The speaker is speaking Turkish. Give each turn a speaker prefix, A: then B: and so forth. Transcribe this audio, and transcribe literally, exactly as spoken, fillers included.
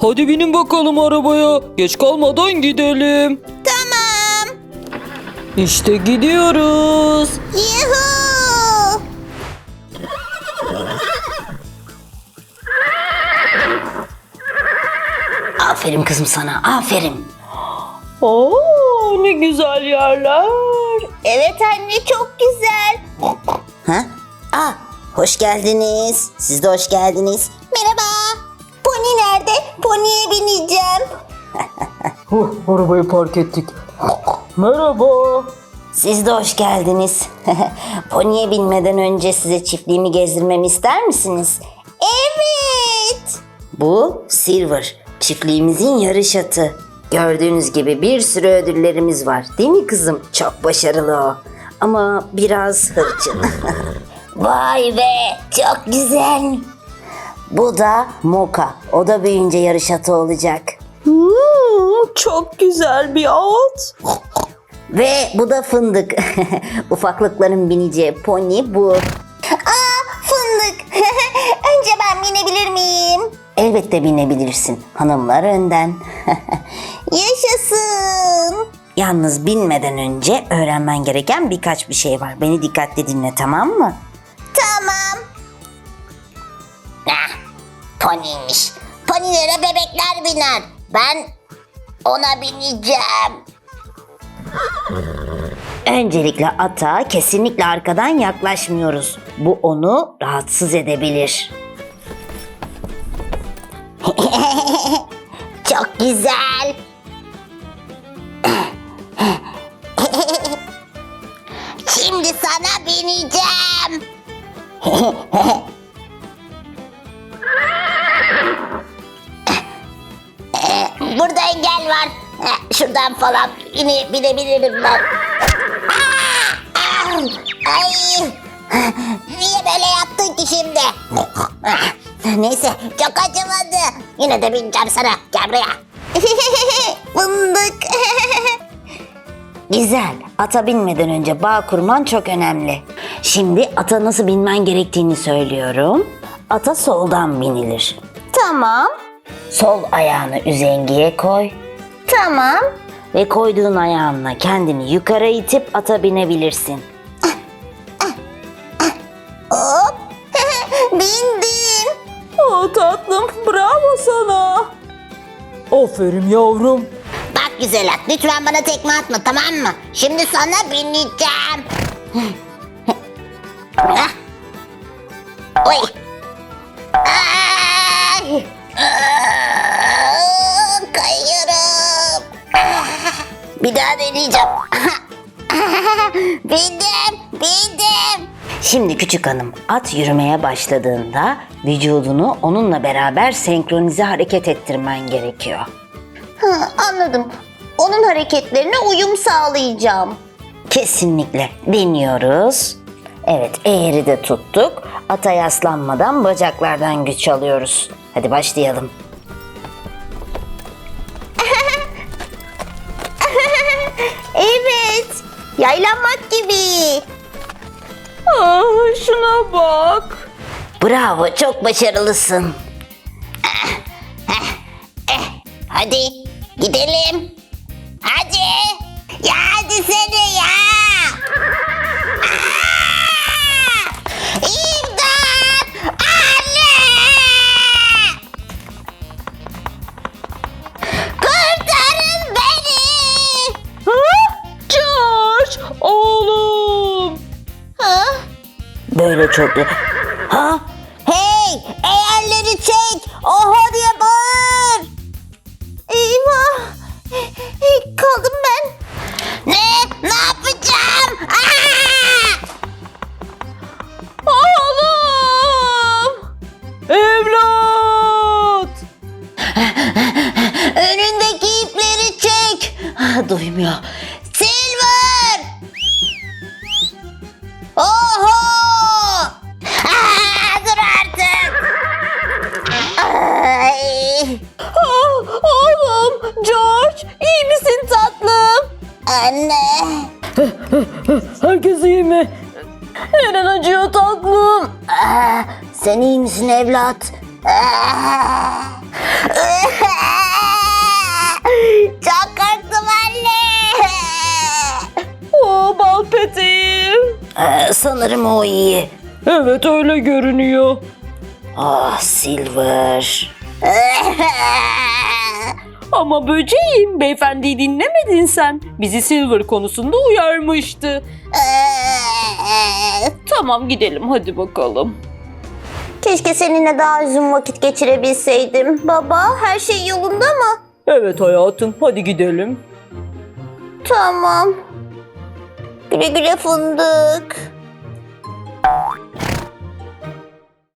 A: Hadi binin bakalım arabaya. Geç kalmadan gidelim.
B: Tamam.
A: İşte gidiyoruz.
B: Yuhuu.
C: Aferin kızım sana, aferin.
A: Oo, ne güzel yerler.
B: Evet anne, çok güzel.
C: Ha? Aa, hoş geldiniz. Siz de hoş geldiniz.
B: Merhaba. Pony nerede? Pony'e bineceğim.
A: Huh, arabayı park ettik. Merhaba.
C: Siz de hoş geldiniz. Pony'e binmeden önce size çiftliğimi gezdirmemi ister misiniz?
B: Evet.
C: Bu Silver, çiftliğimizin yarış atı. Gördüğünüz gibi bir sürü ödüllerimiz var. Değil mi kızım? Çok başarılı o. Ama biraz hırçın. Vay be, çok güzel. Bu da Moka. O da büyüyünce yarış atı olacak.
A: Hmm, çok güzel bir at.
C: Ve bu da Fındık. Ufaklıkların bineceği pony bu.
B: Aa, fındık. Önce ben binebilir miyim?
C: Elbette binebilirsin. Hanımlar önden.
B: Yaşasın.
C: Yalnız binmeden önce öğrenmen gereken birkaç bir şey var. Beni dikkatli dinle, tamam mı?
B: Tamam.
C: Ah,
B: Pony'ymiş. Ponylere bebekler biner. Ben ona bineceğim.
C: Öncelikle ata kesinlikle arkadan yaklaşmıyoruz. Bu onu rahatsız edebilir.
B: Çok güzel. Şimdi sana bineceğim. Burada engel var. Şuradan falan yine binebilirim ben. Aa! Aa! Ay! Niye böyle yaptın ki şimdi? Neyse, çok acımadı. Yine de bineceğim sana. Gel buraya. Fındık.
C: Güzel. Ata binmeden önce bağ kurman çok önemli. Şimdi ata nasıl binmen gerektiğini söylüyorum. Ata soldan binilir.
B: Tamam.
C: Sol ayağını üzengiye koy.
B: Tamam.
C: Ve koyduğun ayağınla kendini yukarı itip ata binebilirsin.
B: Hop. Bindim.
A: Oh tatlım, bravo sana. Aferin yavrum.
B: Bak güzel at, lütfen bana tekme atma, tamam mı? Şimdi sana bineceğim. Ah. Oy. Ay. Aa, kayıyorum. Bir daha deneyeceğim. Bindim, bindim.
C: Şimdi küçük hanım, at yürümeye başladığında vücudunu onunla beraber senkronize hareket ettirmen gerekiyor.
B: Ha, anladım. Onun hareketlerine uyum sağlayacağım.
C: Kesinlikle. Deniyoruz. Evet, eğri de tuttuk. Ata yaslanmadan bacaklardan güç alıyoruz. Hadi başlayalım.
B: Evet, yaylanmak gibi.
A: Ah, şuna bak.
C: Bravo, çok başarılısın.
B: Hadi gidelim. Hadi. Ya hadi seni ya. Aa! İmdat! Anne! Kurtarın beni.
A: Ha? George, oğlum.
B: Ha?
C: Böyle çok... Ha?
B: Hey! Eğerleri çek! Oha diye bağır! Eyvah! Hey, kaldım ben. Ne? Ne yapacağım? Aa!
A: Oğlum. Evlat.
B: Önündeki ipleri çek!
C: Ah, duymuyor.
B: Silver! Oho! Aa, dur artık! Ay!
A: Ah, oğlum, George, iyi misin tatlım?
B: Anne!
A: Herkes iyi mi? Neren acıyor tatlım?
C: Aa, sen iyi misin evlat?
B: Aa!
C: Sanırım o iyi.
A: Evet öyle görünüyor.
C: Ah Silver.
A: Ama böceğim, beyefendiyi dinlemedin sen. Bizi Silver konusunda uyarmıştı. Tamam gidelim hadi bakalım.
B: Keşke seninle daha uzun vakit geçirebilseydim. Baba, her şey yolunda mı?
A: Evet hayatım hadi gidelim.
B: Tamam. Güle güle fındık.